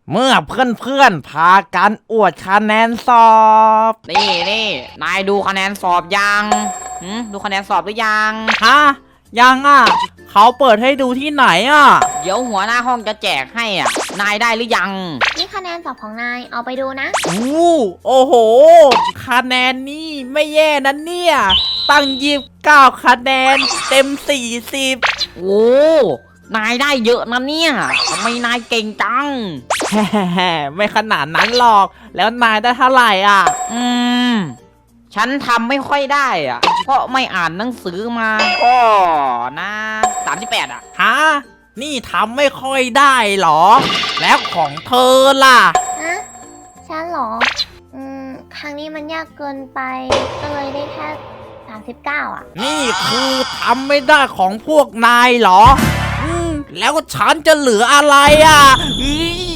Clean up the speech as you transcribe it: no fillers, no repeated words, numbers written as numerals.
เมื่อเพื่อนๆพากันอวดคะแนนสอบนี่นายดูคะแนนสอบยังดูคะแนนสอบหรือยังฮะยังอ่ะเขาเปิดให้ดูที่ไหนอ่ะเดี๋ยวหัวหน้าห้องจะแจกให้อ่ะ นายได้หรือยังนี่คะแนนสอบของนายเอาไปดูนะโอ้โหคะแนนนี่ไม่แย่นะเนี่ยตั้ง29คะแนนเต็ม40 โอ้นายได้เยอะนะเนี่ยทำไมนายเก่งจังแฮ่ไม่ขนาดนั้นหรอกแล้วนายได้เท่าไหร่อ่ะฉันทำไม่ค่อยได้อ่ะ เพราะไม่อ่านหนังสือมาก็นะ38อ่ะฮะนี่ทำไม่ค่อยได้หรอ แล้วของเธอล่ะฮะ ฉันเหรอ ครั้งนี้มันยากเกินไป ก็เลยได้แค่39อ่ะนี่คือทำไม่ได้ของพวกนายเหรอ แล้วฉันจะเหลืออะไรอ่ะอี๋